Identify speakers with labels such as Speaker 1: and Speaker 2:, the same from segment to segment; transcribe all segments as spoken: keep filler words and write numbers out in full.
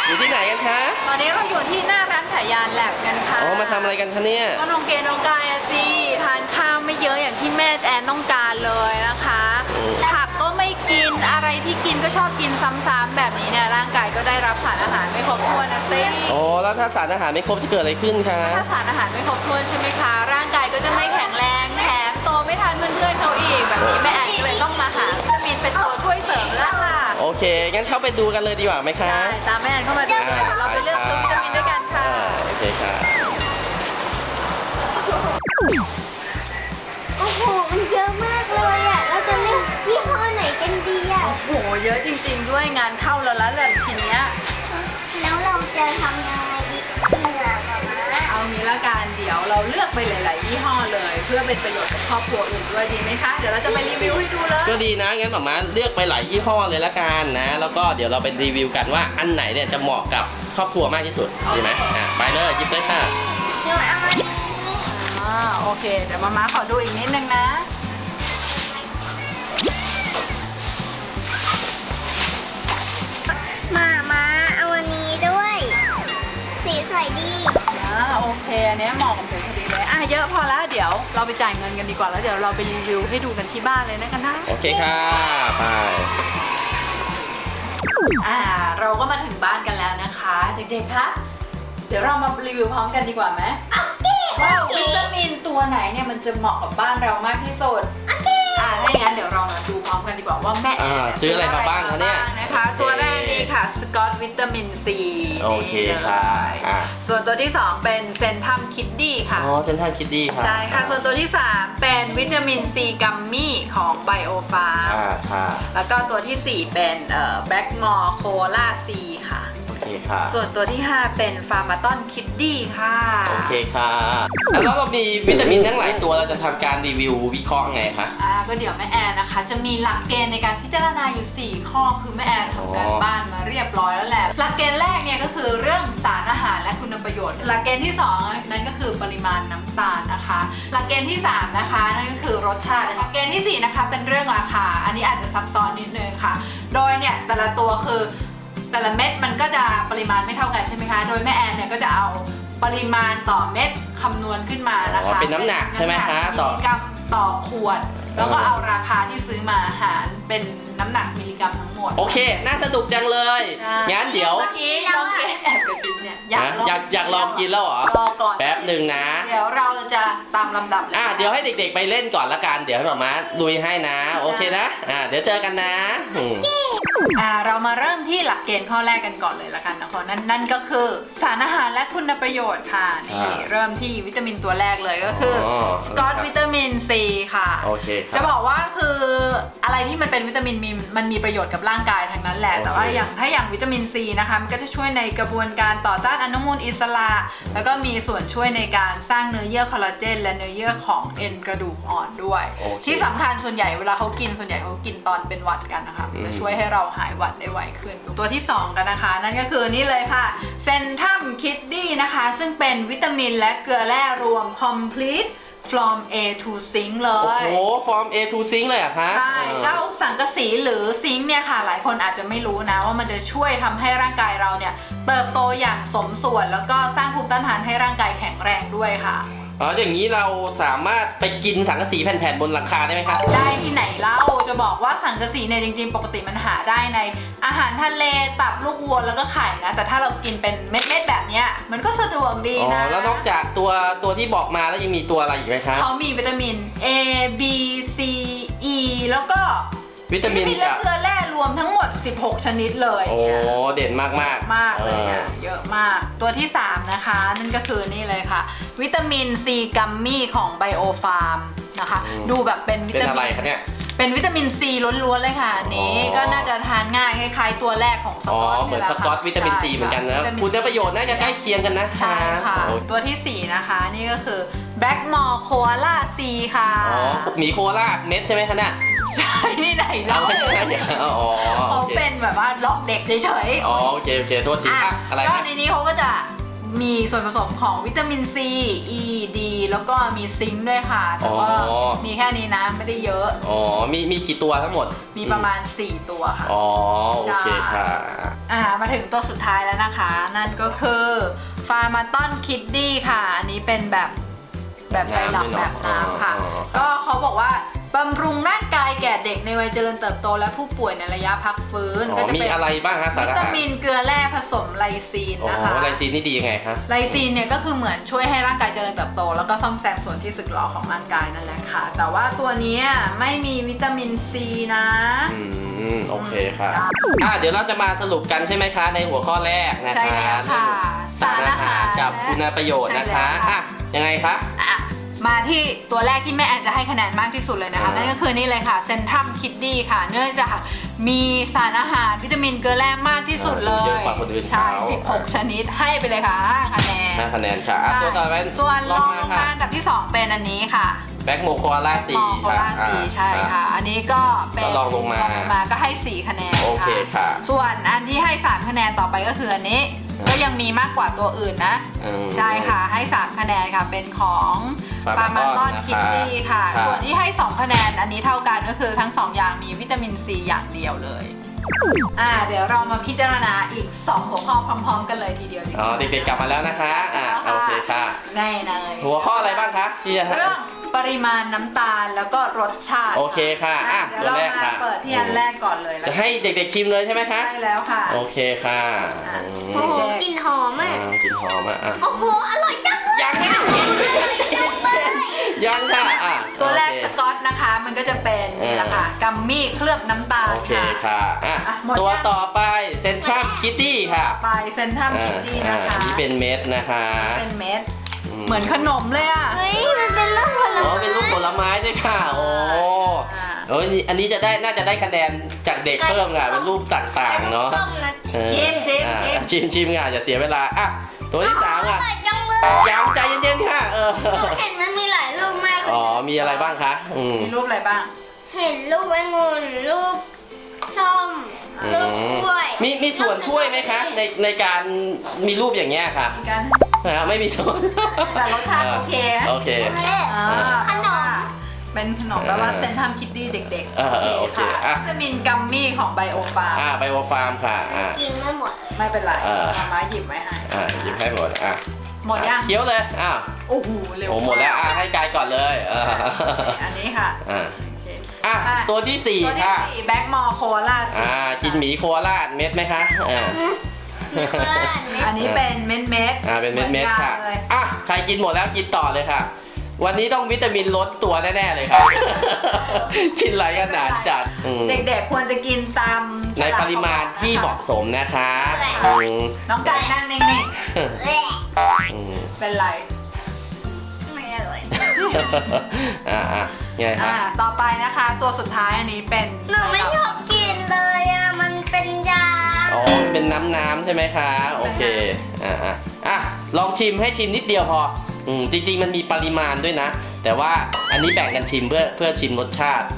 Speaker 1: อยู่ที่ไหนกันคะ
Speaker 2: ตอนนี้เราอยู่ที่หน้าร้านขายยาแลบกันค่ะ
Speaker 1: อ๋อมาทำอะไรกันคะเนี่ย
Speaker 2: ก็น้องเกณฑ์น้องกายอะสิทานข้าวไม่เยอะอย่างที่แม่แอนต้องการเลยนะคะผักก็ไม่กินอะไรที่กินก็ชอบกินซ้ำๆแบบนี้เนี่ยร่างกายก็ได้รับสารอาหารไม่ครบถ้วนนะสิ
Speaker 1: โอ้แล้วถ้าสารอาหารไม่ครบจะเกิดอะไรขึ้นคะ
Speaker 2: ถ้าสารอาหารไม่ครบถ้วนใช่ไหมคะร่างกายก็จะไม่แข็งแรงแถมโตไม่ทันเพื่อนๆเขาอีกแบบนี้แม่แอนก็เลยต้องมาหาวิตามินเป็นตัวช่วยเสริมแล้วค่ะ
Speaker 1: โอเคงั้นเข้าไปดูกันเลยดีกว่าไหมคะ
Speaker 2: ใช่ตามแม่แอนเข้ามาดูเลยเดี๋ยวเราไปเลือกซื้อวิตามินด้วยกันค่ะ
Speaker 1: โอเคค่ะ
Speaker 3: โอ้โหมันเยอะมากเลยอ่ะเราจะเลือกยี่ห้อไหนกันดีอ่ะ
Speaker 2: โอ้โหเยอะจริงๆด้วยงานเข้าแล้วแล้วแบบทีเนี้ย
Speaker 3: แล้วเราจะทำยังไงดีเหนื่อยกว่ามา
Speaker 2: เอางี้ละกันเดี๋ยวเราเลือกไปหลายๆยี่ห้อเลยเพื่อเป็นประโยชน์กับครอบครัวอื่นด้วยดีไหมคะเดี๋ยวเราจะไปรีวิวให้ดูเลย
Speaker 1: ก็ดีนะงั้นหม่าม้าเลือกไปหลายยี่ห้อเลยละกันนะแล้วก็เดี๋ยวเราไปรีวิวกันว่าอันไหนเนี่ยจะเหมาะกับครอบครัวมากที่สุดดีไหมอ่ะไปเลยหยิบเลยค่ะ
Speaker 3: เดี๋ยวเอาอันนี้
Speaker 2: อ่าโอเคเดี๋ยวมาม่าขอดูอีกนิดนึงนะ
Speaker 3: มามาเอาอันนี้ด้วยสีสวยดี
Speaker 2: อ่าโอเคอันนี้เหมาะกับเธอพอดีเลยอ่ะเยอะพอแล้วเดี๋ยวเราไปจ่ายเงินกันดีกว่าแล้วเดี๋ยวเราไปรีวิวให้ดูกันที่บ้านเลยนะกันนะ
Speaker 1: โอเคค่ะไป
Speaker 2: อ่าเราก็มาถึงบ้านกันแล้วนะคะเด็กๆคะเดี๋ยวเรามารีวิวพร้อมกันดีกว่าไหมว่าวิตามินตัวไหนเนี่ยมันจะเหมาะกับบ้านเรามากที่สุดอ่าถ้าอย่างนั้นเดี๋ยวเรามาดูพร้อมกันดีกว่าว่าแม่
Speaker 1: ซื้ออะไรมาบ้างคะเนี่ย
Speaker 2: นะคะตัวแรกนี่ค่ะสกอตวิตามินซี
Speaker 1: โอเคค่ะ
Speaker 2: ส่วนตัวที่สองเป็นเซนทัมคิดดี้ค่ะ
Speaker 1: อ๋อเซนทัมคิดดี้ค่ะ
Speaker 2: ใช่ค่ะส่วนตัวที่สามเป็นวิตามินซีกัมมี่ของไบโอฟาร์ม
Speaker 1: อ่าค่ะ
Speaker 2: แล้วก็ตัวที่สี่เป็นเอ่อแบล็กมอร์โคลาซีค่ะส่วนตัวที่ห้าเป็นฟาร์มาตอนคิดดี้ค่ะ
Speaker 1: โอเคค่ะแล้วเรามีวิตามินทั้งหลายตัวเราจะทำการรีวิววิเคราะห์ไงคะ
Speaker 2: อ่าก็เดี๋ยวแม่แอนนะคะจะมีหลักเกณฑ์ในการพิจารณาอยู่สี่ข้อคือแม่แอนทำการบ้านมาเรียบร้อยแล้วแหละหลักเกณฑ์แรกเนี่ยก็คือเรื่องสารอาหารและคุณประโยชน์หลักเกณฑ์ที่สองนั่นก็คือปริมาณน้ำตาลนะคะหลักเกณฑ์ที่สามนะคะนั่นก็คือรสชาติหลักเกณฑ์ที่สี่นะคะเป็นเรื่องราคาอันนี้อาจจะซับซ้อนนิดนึงค่ะโดยเนี่ยแต่ละตัวคือแต่ละเม็ดมันก็จะปริมาณไม่เท่ากันใช่ไหมคะโดยแม่แอนเนี่ยก็จะเอาปริมาณต่อเม็ดคำนวณขึ้นมานะคะ
Speaker 1: เป็นน้ำหนักใช่ไหมคะ
Speaker 2: ต่อกรัมต่อขวดแล้วก็เอาราคาที่ซื้อมาหารเป็นน้ำหนักมิลลิกรัมทั้งหมด
Speaker 1: โอเคน่าสนุกจังเลยงั้นเดี๋ยว
Speaker 2: เมื่อกี้น้องเกดแอบกระซิบเนี่ย
Speaker 1: อยากอยากอยากลองกินแล้วเหรอ
Speaker 2: รอก่อน
Speaker 1: แป๊บหนึ่งนะ
Speaker 2: เดี๋ยวเราจะตามลำดับ
Speaker 1: อ่ะเดี๋ยวให้เด็กๆไปเล่นก่อนละกันเดี๋ยวให้หม่าม้าลุยให้นะโอเคนะอ่ะเดี๋ยวเจอกันนะ
Speaker 2: อ่าเรามาเริ่มที่หลักเกณฑ์ข้อแรกกันก่อนเลยละกันนะคะนั่นนั่นก็คือสารอาหารและคุณประโยชน์ค่ะนี่เริ่มที่วิตามินตัวแรกเลยก็คือสกอตวิตามินซีค่ะ
Speaker 1: โอเค
Speaker 2: จะบอกว่าคืออะไรที่มันเป็นวิตามินมีมันมีประโยชน์กับร่างกายทั้งนั้นแหละแต่ว่าอย่างถ้าอย่างวิตามินซีนะคะมันก็จะช่วยในกระบวนการต่อต้านอนุมูลอิสระแล้วก็มีส่วนช่วยในการสร้างเนื้อเยื่อคอลลาเจนและเนื้อเยื่อของเอ็นกระดูกอ่อนด้วยที่สำคัญส่วนใหญ่เวลาเขากินส่วนใหญ่เขากินตอนเป็นหวัดกันนะคะจะช่วยให้เราหายหวัดได้ไวขึ้นตัวที่สองกันนะคะนั่นก็คือนี่เลยค่ะเซนทัมคิดดี้นะคะซึ่งเป็นวิตามินและเกลือแร่รวม complete from A to zinc เลย
Speaker 1: โอ้โห from A to zinc เลยอะคะ
Speaker 2: ใช่เจ้าสังกะสีหรือซิงค์เนี่ยค่ะหลายคนอาจจะไม่รู้นะว่ามันจะช่วยทำให้ร่างกายเราเนี่ยเติบโตอย่างสมส่วนแล้วก็สร้างภูมิต้านทานให้ร่างกายแข็งแรงด้วยค่ะ
Speaker 1: อ๋ออย่างนี้เราสามารถไปกินสังกะสีแผ่นๆบนหลังคาได้ไหมคะ
Speaker 2: ได้ที่ไหนเล่าจะบอกว่าสังกะสีเนี่ยจริงๆปกติมันหาได้ในอาหารทะเลตับลูกวัวแล้วก็ไข่นะแต่ถ้าเรากินเป็นเม็ดๆแบบเนี้ยมันก็สะดวกดีนะ
Speaker 1: อ๋อแล้วนอกจากตัวตัวที่บอกมาแล้วยังมีตัวอะไรอีกไหมคะ
Speaker 2: เขามีวิตามิน A B C E แล้วก็
Speaker 1: วิตามิน
Speaker 2: และเกลือแร่รวมทั้งหมดสิบหกชนิดเลย
Speaker 1: โอ้เด่นมากมาก
Speaker 2: มากเลยอ่ะเยอะมากตัวที่สามนะคะนั่นก็คือนี่เลยค่ะวิตามินซีกัมมี่ของไบโอฟาร์มนะคะดูแบบเป็นวิตามิน
Speaker 1: เป็นอะไรคะเนี่ย
Speaker 2: เป็นวิตามินซีล้วนๆเลยค่ะอันนี้ก็น่าจะทานง่ายคล้ายๆตัวแรกของสกอต
Speaker 1: เหมือนสกอตวิตามินซีเหมือนกันนะคุณประโยชน์น่าจะใกล้เคียงกันนะ
Speaker 2: ใช่ค่ะตัวที่สี่นะคะนี่ก็คือแบล็กมอร์โคอาล่าซีค่ะ
Speaker 1: อ๋อหมีโคอาล่าเม็ดใช่ไหมคะเนี่ย
Speaker 2: ใช่ที่ไหนเล่า
Speaker 1: ไม่ใช่เนี่ยอ๋อ
Speaker 2: เขาเป็นแบบว่าหลอกเด็กเฉย
Speaker 1: ๆอ๋อโอเคโอเคโทษทีอะไร
Speaker 2: ก็ในนี้เขาก็จะบมีส่วนผสมของวิตามินซี E D แล้วก็มีซิงค์ด้วยค่ะแต่ว่า
Speaker 1: อ๋อ
Speaker 2: มีแค่นี้นะไม่ได้เยอะ
Speaker 1: อ๋อมีมีกี่ตัวทั้งหมด
Speaker 2: มีประมาณสี่ตัวค่ะ
Speaker 1: อ๋อโอเคค่ะ
Speaker 2: อ่ามาถึงตัวสุดท้ายแล้วนะคะ นั่นก็คือฟาร์มาตอนคิดดี้ค่ะ อันนี้เป็นแบบแบบไซรัปแบบน้ำค่ะ ก็เขาบอกว่าบำรุงร่างกายแก่เด็กในวัยเจริญเติบโตและผู้ป่วยในระยะพักฟื้น
Speaker 1: อ๋
Speaker 2: ก็
Speaker 1: อ
Speaker 2: จะ
Speaker 1: มี
Speaker 2: เป็น
Speaker 1: อะไรบ้างฮะสาร
Speaker 2: วิ
Speaker 1: อา
Speaker 2: ตา
Speaker 1: หาร
Speaker 2: มินเกลือแร่ผสมไลซีน
Speaker 1: อ๋อ
Speaker 2: นะคะ
Speaker 1: ไลซีนนี่ดียังไงคะ
Speaker 2: ไลซีนเนี่ยก็คือเหมือนช่วยให้ร่างกายเจริญเติบโต แล้วก็ซ่อมแซมส่วนที่สึกหรอของร่างกายนั่นแหละค่ะ แต่ว่าตัวเนี้ยไม่มีวิตามินซีนะ
Speaker 1: อืมโอเคค่ะอ่ะเดี๋ยวเราจะมาสรุปกันใช่ไหมคะในหัวข้อแรกนะ
Speaker 2: ใช่
Speaker 1: คะ
Speaker 2: แล้วค่ะ
Speaker 1: สารอาหารกับคุณประโยชน์นะคะ
Speaker 2: ใช่แล้วค่ะ
Speaker 1: อ่ะยังไงคะ
Speaker 2: อ่ะมาที่ตัวแรกที่แม่แอนจะให้คะแนนมากที่สุดเลยนะคะ
Speaker 1: อ่านั่
Speaker 2: นั่นก็คือนี่เลยค่ะเซนทรัมคิดดี้ค่ะ เนื่องจากมีสารอาหารวิตามินเกลือแร่มากที่สุดเลย
Speaker 1: เยอะกว่าคนอื่น
Speaker 2: ใช่
Speaker 1: เขา
Speaker 2: สิบหกชนิดให้ไปเลยค่ะห้าคะแนน
Speaker 1: ห้าคะแนนค่ะอ่ะ
Speaker 2: ใช่
Speaker 1: ตัวต่อไป
Speaker 2: ส่วนร
Speaker 1: ล
Speaker 2: อง
Speaker 1: มา
Speaker 2: ลง
Speaker 1: ค่ะ
Speaker 2: มาอันดับที่สองเป็นอันนี้ค่ะ
Speaker 1: แบ็กโมโคอาล่า
Speaker 2: แบ
Speaker 1: สี่
Speaker 2: มอโค
Speaker 1: ค่ะ
Speaker 2: ลาสีใช่ค่ะ อันนี้ก็เป็น
Speaker 1: แล้วลองลงมา
Speaker 2: มาก็ให้สี่คะแนน
Speaker 1: โอเคค่ะ
Speaker 2: ส่วนอันที่ให้สามคะแนนต่อไปก็คืออันนี้
Speaker 1: ครับ
Speaker 2: ก็ยังมีมากกว่าตัวอื่นนะ
Speaker 1: อืม
Speaker 2: ใช่ค่ะให้สามคะแนนค่ะเป็นของปา
Speaker 1: Pharmaton
Speaker 2: มาตอน
Speaker 1: นะคะ
Speaker 2: คิดดี้ค่ะ
Speaker 1: ครับ
Speaker 2: ส่วนที่ให้สองคะแนนอันนี้เท่ากันก็คือทั้งสองอย่างมีวิตามินซีอย่างเดียวเลยอ่าเดี๋ยวเรามาพิจารณาอีกสองหัวข้อพร้อม ๆ กันเลยทีเดียวดีว่า
Speaker 1: อ๋อเด็กๆกลับมาแล้วนะคะอ่ะโอเคค่ะ
Speaker 2: แน่เลย
Speaker 1: หัวข้ออะไรบ้างคะที่จะ
Speaker 2: เรื่องปริมาณน้ำตาลแล้วก็รสชาติ
Speaker 1: โอเคค่ะอ่ะ
Speaker 2: เดี๋ยวเรา
Speaker 1: ตัวแรก
Speaker 2: มา
Speaker 1: ค่ะ
Speaker 2: เปิดที่อันแรกก่อนเลย
Speaker 1: จะให้เด็กๆชิมเลยใช่ไหมคะ
Speaker 2: ใช่แล้วค่ะ
Speaker 1: โอเคค่ะ
Speaker 2: อ่ะ
Speaker 1: อืม
Speaker 3: โอ้โหกลิ่นหอม
Speaker 1: อ่า
Speaker 3: อ่ะ
Speaker 1: กลินหอมอ่ะอ่ะ
Speaker 3: โอ้โห อร่อยจังเลย
Speaker 1: ยังไม่ได้กินยังค่ะอ่ะ
Speaker 2: ตัวแรก
Speaker 1: โอเค
Speaker 2: สกอตนะคะ มันก็จะเป็น
Speaker 1: เออ
Speaker 2: นี่แหละค่ะกัมมี่เคลือบน้ำตาล
Speaker 1: โอเค
Speaker 2: ค่ะ
Speaker 1: ค่ะอ่ะ
Speaker 2: อ่ะหมด
Speaker 1: ตัว
Speaker 2: ยัง
Speaker 1: ต่อไปเซนทรัมคิตตี้ค่ะ
Speaker 2: ไปเซนทรัม
Speaker 1: อ่า
Speaker 2: คิดดี้
Speaker 1: อ่า
Speaker 2: นะคะ
Speaker 1: อันนี้เป็นเม็ดนะคะ
Speaker 2: เป็นเม็ด เหมือนขนมเลยอ่ะ
Speaker 3: เฮ้ย มันเป็นลูกผล
Speaker 1: อ๋อ
Speaker 3: ไม้
Speaker 1: เป็นลูกผลไม้ด้วยค่ะ โอ้
Speaker 2: อ่า
Speaker 1: โอ้ยอันนี้จะได้น่าจะได้คะแนนจากเด็กเพิ่มอ่ะเป็นรูปต่างๆเนาะ
Speaker 3: ต้มนะ
Speaker 1: เออ
Speaker 2: จิ้มจิ้ม
Speaker 1: อ่ะ
Speaker 2: จิ้ม
Speaker 1: ชิมชิมอ่ะอย่าเสียเวลาอ่ะตัวที่สาม
Speaker 3: อ
Speaker 1: อ่ะ
Speaker 3: ร่อยจังเลย
Speaker 1: ยังใจเย็นๆค่ะเออ
Speaker 3: เห็นมันมีหลายรูปมากเลย
Speaker 1: อ๋อมีอะไรบ้างคะอืม
Speaker 2: มีรูปอะไรบ้าง
Speaker 3: เห็นรูปองุ่นรูปส้ม
Speaker 1: อื
Speaker 3: รูป
Speaker 1: ม
Speaker 3: กล้วย
Speaker 1: มีมีส่วนช่วยไหมคะในในการมีรูปอย่างเงี้ยค่ะ
Speaker 2: มีกัน
Speaker 1: นะฮะไม่มีส่วน
Speaker 2: แต่รสชาติโอเคนะ
Speaker 1: โอเค
Speaker 2: อ่า
Speaker 3: ขนม
Speaker 2: เป็นขนมแปลว่าเซนทรัมคิดดี้เด็ก
Speaker 1: เออเออโอเค
Speaker 2: ค่ะ
Speaker 1: อ่ะ
Speaker 2: วิตามินกัมมี่ของไบโอฟาร์ม
Speaker 1: อ่าไบโอฟาร์มค่ะอ่า
Speaker 3: กินไม่หมด
Speaker 2: ไม่เป็นไร
Speaker 1: เออ
Speaker 2: มามาหยิบไว้ให้
Speaker 1: อ่าหยิบให้หมดอ่ะ
Speaker 2: หมดยัง
Speaker 1: เคี้ยวเลยอ้าว
Speaker 2: โอ้โหเร็ว
Speaker 1: โอ้หมดแล้วอ่ะให้กายก่อนเลยเออ
Speaker 2: อันนี้ค่ะ
Speaker 1: อ่า
Speaker 2: โอเค
Speaker 1: อ่ะตัวที่สี่
Speaker 2: ตัวที่
Speaker 1: ค่ะ
Speaker 2: สี่แบ็กมอโคลา
Speaker 1: อ่ากินหมีโคราชเม็ดไหมคะอ่า
Speaker 3: มีโคราชเม็ด
Speaker 2: อันนี้เป็นเม็ดเม็ด
Speaker 1: อ่าเป็นเม็ดเม็ดๆค่ะอ่ะใครกินหมดแล้วกินต่อเลยค่ะ วันนี้ต้องวิตามินลดตัวแน่ๆเลยค่ะ กินหลายขนาดจัดอืม
Speaker 2: เด็กๆควรจะกินตาม
Speaker 1: ในปริมาณที่เหมาะสมนะคะอืม
Speaker 2: น้องกายนั่งนิ่ง
Speaker 3: แหละ
Speaker 1: อืม
Speaker 2: ๆเป็นไร
Speaker 3: ไม่อร่อย
Speaker 1: อ่าอ่ะไงคะ
Speaker 2: อ่าต่อไปนะคะ ตัวสุดท้ายอันนี้เป็น
Speaker 3: หนูไม่ชอบกินเลยอ่ะ มันเป็นยา
Speaker 1: อ๋อมันเป็นน้ำน้ำๆใช่ไหมคะโอเคอ่ะอ่ะอ่ะลองชิมให้ชิมนิดเดียวพออืมจริงๆมันมีปริมาณด้วยนะ แต่ว่าอันนี้แบ่งกันชิมเพื่อเพื่อชิมรสชาติ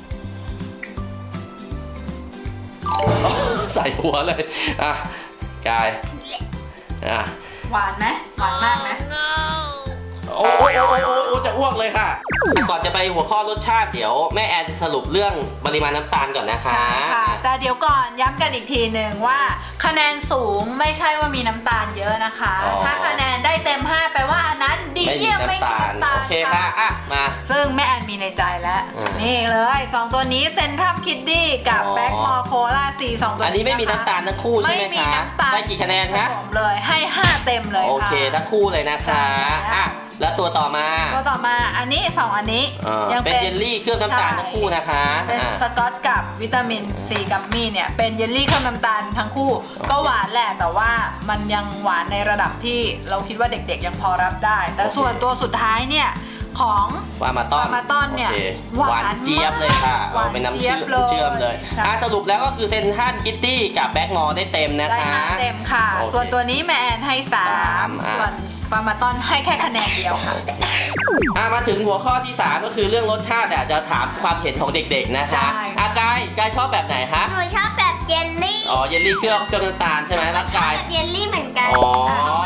Speaker 1: อ๋อใส่หัวเลยอ่ะกายอ่ะ
Speaker 2: หวานไหมหวานมากไหม
Speaker 1: โอ้โอ้โอ้โอ้โอ้โอ้จะอ้วกเลยค่ะแต่ก่อนจะไปหัวข้อรสชาติเดี๋ยวแม่แอนจะสรุปเรื่องปริมาณน้ำตาลก่อนนะคะ
Speaker 2: ใช่ค่ะ แต่เดี๋ยวก่อนย้ำกันอีกทีหนึ่งว่าคะแนนสูงไม่ใช่ว่ามีน้ำตาลเยอะนะคะ
Speaker 1: อ๋อ
Speaker 2: ถ้าคะแนนได้เต็มห้าแปลว่าอันนั้นดี
Speaker 1: ไม่มี
Speaker 2: เยี่ยมไม่
Speaker 1: น้ำ
Speaker 2: มี
Speaker 1: ตาล
Speaker 2: น้ำตาล
Speaker 1: โอเคค่ะอ่ะมา
Speaker 2: ซึ่งแม่แอนมีในใจแล้ว
Speaker 1: อืม
Speaker 2: นี่เลยสองตัวนี้เซนทรัมคิดดี้กับ
Speaker 1: อ๋อ
Speaker 2: แบ็กมอโคลาซีสองตัว
Speaker 1: อันนี้ไม่มีน้ำตาลทั้งคู่ใช่ไหม
Speaker 2: ไม่มี
Speaker 1: คะ
Speaker 2: น้ำตาล
Speaker 1: ได้กี่คะแนนคะ
Speaker 2: ผสมเลยให้ห้าเต็มเลยค่ะ
Speaker 1: โอเคทั้งคู่เลยนะคะ
Speaker 2: ใช่
Speaker 1: อ่ะแล้วตัวต่อมา
Speaker 2: ตัวต่อมาอันนี้สองอันนี้
Speaker 1: อ่า
Speaker 2: ยั
Speaker 1: เป็นเยลลี่เคลือบน้ำตาลทั้งคู่นะคะ
Speaker 2: เป็น
Speaker 1: อ่ะ
Speaker 2: สกอตกับวิตามินซีกัมมี่เนี่ยเป็นเยลลี่เคลือบน้ำตาลทั้งคู่ ก็หวานแหละแต่ว่ามันยังหวานในระดับที่เราคิดว่าเด็กๆยังพอรับได้ แต่
Speaker 1: โอเค
Speaker 2: ส่วนตัวสุดท้ายเนี่ยของ
Speaker 1: วามาต้อน
Speaker 2: วามาต้อนเนี่ย
Speaker 1: โอค
Speaker 2: หวาน
Speaker 1: หวานเจี๊ยบเลยค่ะ
Speaker 2: หวาน
Speaker 1: เอาเป็นน้ำ
Speaker 2: เจี๊
Speaker 1: เชื่
Speaker 2: ย
Speaker 1: อบ
Speaker 2: เลย
Speaker 1: เชื่อมเลย
Speaker 2: ใช่
Speaker 1: อ่ะสรุปแล้วก็คือเซนทรัลคิตตี้กับแบ็กมอได้เต็มนะ
Speaker 2: ได้
Speaker 1: คะ
Speaker 2: ห้าเต็มค่ะ
Speaker 1: โอเค
Speaker 2: ส่วนตัวนี้แม่แอนให้สา
Speaker 1: สาม
Speaker 2: ม
Speaker 1: อ่ะ
Speaker 2: ส่วนปามาต้อนให้แค่คะแนนเดียวค่ะ
Speaker 1: อ่ะมาถึงหัวข้อที่สามก็คือเรื่องรสชาติอ่ะจะถามความเห็นของเด็กๆนะคะ
Speaker 2: ใช่
Speaker 1: อ่ะกายกายชอบแบบไหนคะ
Speaker 3: หนูชอบแบบเยลลี่
Speaker 1: อ๋อเยลลี่เคลือบเคลือบน้ำตาลใช่ไหมแล้ว
Speaker 3: ชอบ
Speaker 1: กาย
Speaker 3: แบบเยลลี่เหมือนกัน
Speaker 1: อ๋อ
Speaker 2: อ่ะเอาไว้ให้เก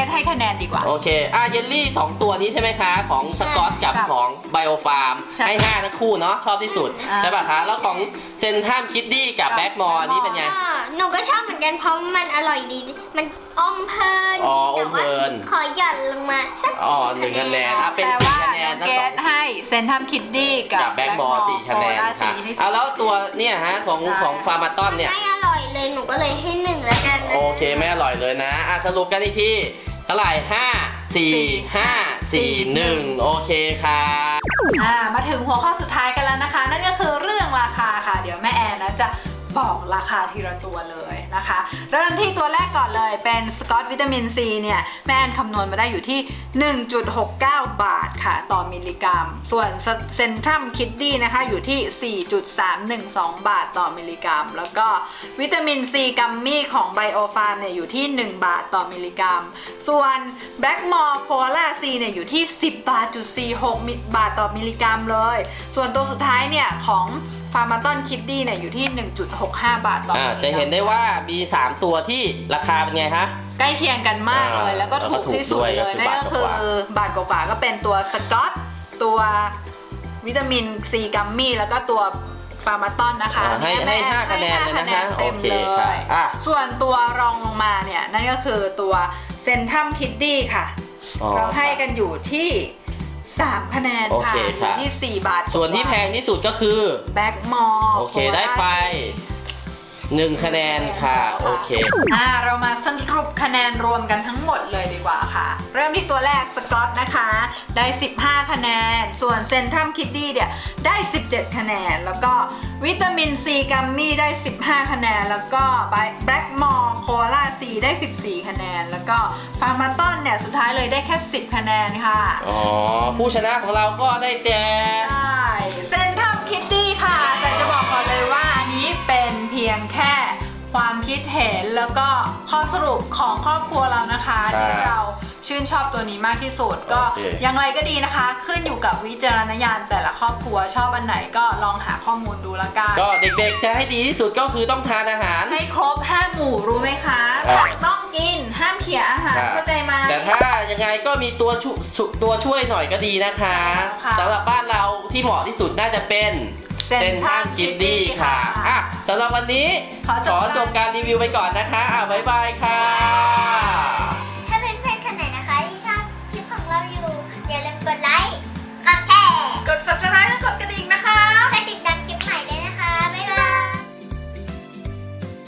Speaker 2: สให้คะแนนดีกว่า
Speaker 1: โอเคอ่ะเยลลี่สองตัวนี้ใช่ไหมคะของสกอตกับ
Speaker 2: ครับ
Speaker 1: ของไบโอฟาร์ม
Speaker 2: ใช่
Speaker 1: ให้ห้าทั้งคู่เนาะชอบที่สุด
Speaker 2: อ่า
Speaker 1: ใช่ป่ะคะแล้วของเซนทัมคิดดี้กับ
Speaker 2: กับ
Speaker 1: แบ็กมอร์นี่เป็นไง
Speaker 3: ก็หนูก็ชอบเหมือนกันเพราะมันอร่อยดี มันอมเพลิน
Speaker 1: อ๋อ
Speaker 3: แต่
Speaker 1: อมเพลิน
Speaker 3: ว่าขอหย่อนลงมาสัก
Speaker 1: อ๋อหนึ่งคะแนนอ่ะเป็น
Speaker 2: แต่
Speaker 1: สี่
Speaker 2: ว่า
Speaker 1: คะแนน
Speaker 2: น้
Speaker 1: ทั้
Speaker 2: อง ง
Speaker 1: ส
Speaker 2: เก
Speaker 1: อง
Speaker 2: ดให้เซนทัมคิดดี้กับ
Speaker 1: กับแบ็กบอลสี่คะแนนค่ะ
Speaker 2: สี่ให้สี่
Speaker 1: เอาแล้วตัวเนี่ยฮะของ
Speaker 2: ได้
Speaker 1: ของฟาร์มาตอนเนี่ย
Speaker 3: ไม่อร่อยเลยหนูก็เลยให้หนึ่งแล้วกันนะ
Speaker 1: โอเคไม่อร่อยเลยนะอ่ะสรุปกันอีกทีเท่าไหร่ห้าสี่ห้าสี่หนึ่งโอเคค่ะ
Speaker 2: อ่ามาถึงหัวข้อสุดท้ายกันแล้วนะคะ นั่นก็คือเรื่องราคาค่ะ เดี๋ยวแม่แอนนะจะบอกราคาทีละตัวเลยนะคะ เริ่มที่ตัวแรกก่อนเลยเป็นสกอตวิตามินซีเนี่ยแม่แอนคำนวณมาได้อยู่ที่ หนึ่งจุดหกเก้า บาทค่ะต่อมิลลิกรัม ส่วนเซนทรัมคิดดี้นะคะอยู่ที่ สี่จุดสามหนึ่งสอง บาทต่อมิลลิกรัม แล้วก็วิตามินซีกัมมี่ของไบโอฟาร์มเนี่ยอยู่ที่ หนึ่ง บาทต่อมิลลิกรัม ส่วนแบล็กมอร์โคลาซีเนี่ยอยู่ที่ สิบบาทจุดสี่หก บาทต่อมิลลิกรัมเลย ส่วนตัวสุดท้ายเนี่ยของฟาร์มาตอนคิดดี้เนี่ยอยู่ที่ หนึ่งจุดหกห้า บาทต่อมิล
Speaker 1: อ่า
Speaker 2: ลิกรัม
Speaker 1: จะเห็นได้ว่ามีสามตัวที่ราคาเป็นไงคะ
Speaker 2: ใกล้เคียงกันมากเลย
Speaker 1: อ่า
Speaker 2: แล้วก็ถูกที่สุด
Speaker 1: แล้วก็ถูกด้วย
Speaker 2: เลยนั่นก็
Speaker 1: ก็คื
Speaker 2: คือ
Speaker 1: อบาทกว่า
Speaker 2: บาทกว่าๆก็เป็นตัวสกอตตัววิตามินซีกัมมี่แล้วก็ตัวฟาร์มาตอนนะคะ
Speaker 1: อ่าให้
Speaker 2: เนี่ย
Speaker 1: ให้
Speaker 2: แม่
Speaker 1: ห้าคะแนนเลยนะคะ
Speaker 2: ให้ห้าคะแนนเต็ม
Speaker 1: โอเค
Speaker 2: เล
Speaker 1: ค่ะ
Speaker 2: ย
Speaker 1: อ่ะ
Speaker 2: ส่วนตัวรองลงมาเนี่ยนั่นก็คือตัวเซนทัมคิดดี้ค่ะ
Speaker 1: อ๋อ
Speaker 2: เราให้กันอยู่ที่สามคะแนน
Speaker 1: โอ
Speaker 2: ค่ะ
Speaker 1: เค
Speaker 2: อยู่
Speaker 1: ค่ะ
Speaker 2: ที่สี่บาท
Speaker 1: ส่วนที่แพงที่สุดก็คือ
Speaker 2: แบ็กมอร์
Speaker 1: โอเคได้ไปหนึ่งคะแนนค่ะโอเค
Speaker 2: อ่าเรามาสรุปคะแนนรวมกันทั้งหมดเลยดีกว่าค่ะ เริ่มที่ตัวแรกสกอตนะคะได้สิบห้าคะแนนส่วนเซนทรัมคิดดี้เนี่ยได้สิบเจ็ดคะแนนแล้วก็วิตามินซีกัมมี่ได้สิบห้าคะแนนแล้วก็แบล็กมอร์โคลาซีได้สิบสี่คะแนนแล้วก็ฟาร์มาตอนเนี่ยสุดท้ายเลยได้แค่สิบคะแนนค่ะ
Speaker 1: อ๋อ ผู้ชนะของเราก็ได้แต่
Speaker 2: ใช่เซนทรัมคิดดี้ค่ะแต่จะบอกก่อนเลยว่าอันนี้เป็นเพียงแค่ความคิดเห็นแล้วก็ข้อสรุปของครอบครัวเรานะคะที่เราชื่นชอบตัวนี้มากที่สุดก็อย่างไรก็ดีนะคะ ขึ้นอยู่กับวิจารณญาณแต่ละครอบครัวชอบอันไหนก็ลองหาข้อมูลดูละกัน
Speaker 1: ก็เด็กๆจะให้ดีที่สุดก็คือต้องทานอาหาร
Speaker 2: ให้ครบห้าหมู่รู้ไหมคะ
Speaker 1: อ่า
Speaker 2: ผักต้องกินห้ามเขี่ยอาหารเข้าใจไหม
Speaker 1: แต่ถ้ายังไงก็มีตัวช่วยตัวช่วยหน่อยก็ดีนะคะ
Speaker 2: ใช่แล้วค่ะ
Speaker 1: สำหรับบ้านเราที่เหมาะที่สุดน่าจะเป็น
Speaker 2: เซ็นทรัล
Speaker 1: คิดดี้ค่ะ
Speaker 2: ค่ะ
Speaker 1: อ่ะสำหรับวันนี้
Speaker 2: ขอจบ
Speaker 1: ขอจบการรีวิวไปก่อนนะคะอ่ะบ๊ายบายค่ะ